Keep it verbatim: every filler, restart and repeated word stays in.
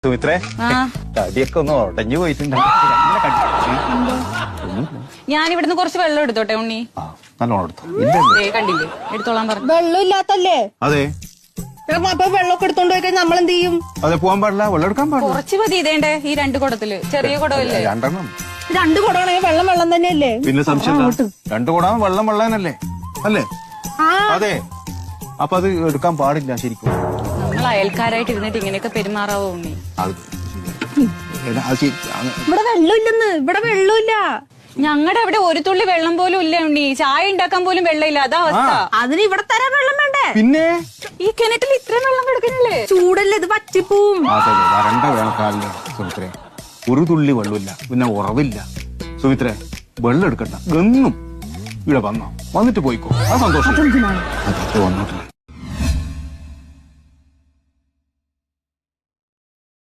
സുമിത്രേ തടിയൊക്കെ ഒന്ന് ഉടഞ്ഞു പോയിട്ടുണ്ട്. ഞാൻ ഇവിടുന്ന് കുറച്ച് വെള്ളം എടുത്തോട്ടെ ഉണ്ണി. നല്ലോണം എടുത്തോ. കണ്ടില്ലേ എടുത്തോളാൻ പറഞ്ഞു. വെള്ളം ഇല്ലാത്തല്ലേ? അതെ. അപ്പൊ വെള്ളമൊക്കെ എടുത്തോണ്ട് പോയി കഴിഞ്ഞാൽ നമ്മൾ എന്ത് ചെയ്യും? അതെ, പോകാൻ പാടില്ല, വെള്ളം എടുക്കാൻ പാടില്ല. കുറച്ച് മതി ഇതേണ്ടേ ഈ രണ്ട് കുടത്തില്. ചെറിയ കുടമല്ലേ? രണ്ടെണ്ണം. രണ്ട് കുടമാണെങ്കിൽ വെള്ളം വെള്ളം തന്നെയല്ലേ? പിന്നെ സംശയം രണ്ടു കുടാൻ വെള്ളം വെള്ളാനല്ലേ അല്ലേ? അതെ. അപ്പൊ അത് എടുക്കാൻ പാടില്ല ശരിക്കും. നമ്മൾ അയൽക്കാരായിട്ട് ഇരുന്നിട്ട് ഇങ്ങനെയൊക്കെ പെരുമാറാവോ ഉണ്ണി? ഇവിടെ വെള്ളമില്ലെന്ന്. ഇവിടെ വെള്ളമില്ല. ഞങ്ങളുടെ അവിടെ ഒരു തുള്ളി വെള്ളം പോലും ഇല്ല ഉണ്ണി. ചായ ഉണ്ടാക്കാൻ പോലും വെള്ളമില്ല. അതാ അവസ്ഥ. അതിന് ഇവിടെ തരാൻ വെള്ളം വേണ്ടേ? പിന്നെ ഈ കിണറ്റിൽ ഇത്രയും വെള്ളം കിടക്കുന്നില്ലേ? ചൂടല്ലേ ഇത്, പറ്റിപ്പോവും. വരണ്ട വേണക്കാലില് സുമിത്രേ ഒരു തുള്ളി വെള്ളമില്ല, പിന്നെ ഉറവില്ല. സുമിത്രേ വെള്ളം എടുക്കണ്ട, എന്നും ഇവിടെ വന്നോ, വന്നിട്ട് പോയിക്കോ. ആ സന്തോഷം വന്നോട്ടില്ല.